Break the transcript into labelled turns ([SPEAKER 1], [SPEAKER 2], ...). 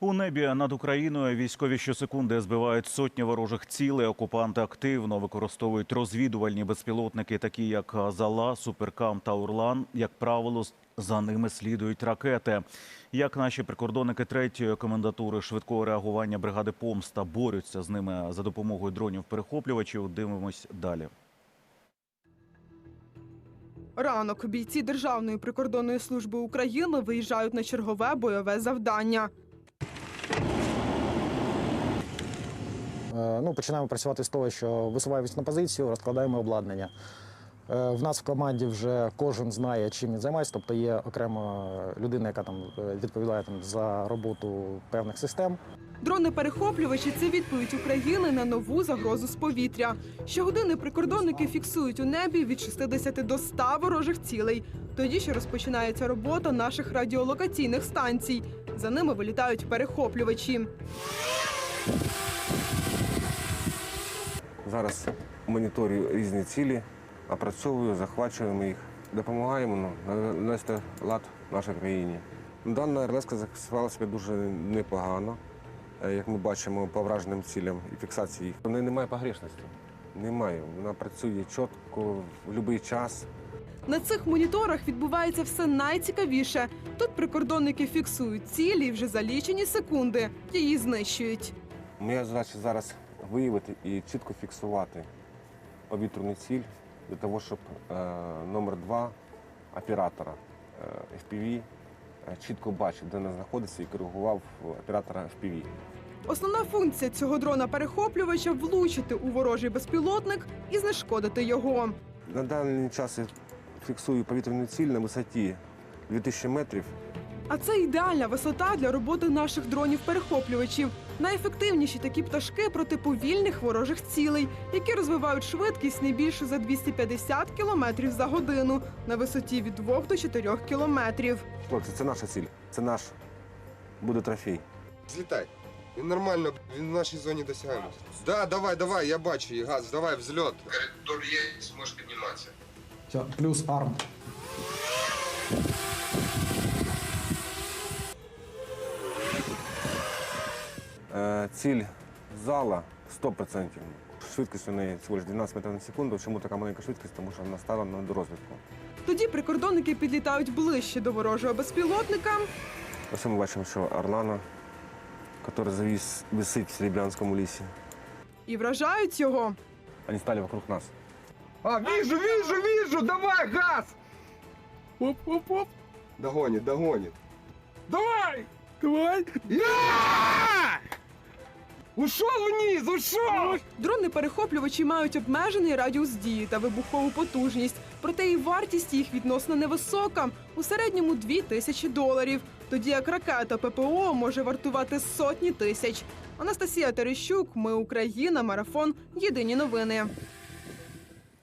[SPEAKER 1] У небі над Україною військові щосекунди збивають сотні ворожих цілей. Окупанти активно використовують розвідувальні безпілотники, такі як «Зала», «Суперкам» та «Орлан». Як правило, за ними слідують ракети. Як наші прикордонники 3-ї комендатури швидкого реагування бригади «Помста» борються з ними за допомогою дронів-перехоплювачів, дивимось далі.
[SPEAKER 2] Ранок. Бійці Державної прикордонної служби України виїжджають на чергове бойове завдання.
[SPEAKER 3] Починаємо працювати з того, що висуваємося на позицію, розкладаємо обладнання. В нас в команді вже кожен знає, чим він займається, тобто є окрема людина, яка відповідає за роботу певних систем.
[SPEAKER 2] Дрони-перехоплювачі – це відповідь України на нову загрозу з повітря. Щогодини прикордонники фіксують у небі від 60 до 100 ворожих цілей. Тоді ще розпочинається робота наших радіолокаційних станцій. За ними вилітають перехоплювачі.
[SPEAKER 4] Зараз моніторю різні цілі, опрацьовую, захвачуємо їх, допомагаємо навести лад в нашій країні. Дана РЛС захистила себе дуже непогано, як ми бачимо по враженим цілям і фіксації їх. У неї немає погрешності, немає. Вона працює чітко, в будь-який час.
[SPEAKER 2] На цих моніторах відбувається все найцікавіше. Тут прикордонники фіксують цілі і вже за лічені секунди її знищують.
[SPEAKER 4] Моя задача зараз виявити і чітко фіксувати повітряну ціль для того, щоб номер 2 оператора FPV чітко бачив, де вона знаходиться, і коригував оператора FPV.
[SPEAKER 2] Основна функція цього дрона-перехоплювача – влучити у ворожий безпілотник і знешкодити його.
[SPEAKER 4] На даний час я фіксую повітряну ціль на висоті 2000 метрів.
[SPEAKER 2] А це ідеальна висота для роботи наших дронів-перехоплювачів. Найефективніші такі пташки проти повільних ворожих цілей, які розвивають швидкість не більше за 250 км за годину на висоті від 2 до 4 кілометрів.
[SPEAKER 4] Хлопці, це наша ціль, це наш буде трофей.
[SPEAKER 5] Злітай. Він нормально, він в нашій зоні досягаємості. Да, давай, я бачу її, газ, давай, взльот. Коридор є, зможеш підніматися.
[SPEAKER 3] Все, плюс арм.
[SPEAKER 4] Ціль зала 100%. Швидкість у неї всього лише 12 метрів на секунду. Чому така маленька швидкість? Тому що вона стала на дорозвідку.
[SPEAKER 2] Тоді прикордонники підлітають ближче до ворожого безпілотника.
[SPEAKER 4] Ось ми бачимо, що Орлана, який висить в Серебрянському лісі.
[SPEAKER 2] І вражають його.
[SPEAKER 4] Вони стали вокруг нас.
[SPEAKER 5] А, вижу, давай, газ!
[SPEAKER 2] Оп-оп-оп.
[SPEAKER 5] Догонит.
[SPEAKER 2] Давай!
[SPEAKER 5] Ушел вниз, ушел!
[SPEAKER 2] Дрони-перехоплювачі мають обмежений радіус дії та вибухову потужність. Проте і вартість їх відносно невисока – у середньому $2000. Тоді як ракета ППО може вартувати сотні тисяч. Анастасія Терещук, Ми Україна, Марафон. Єдині новини.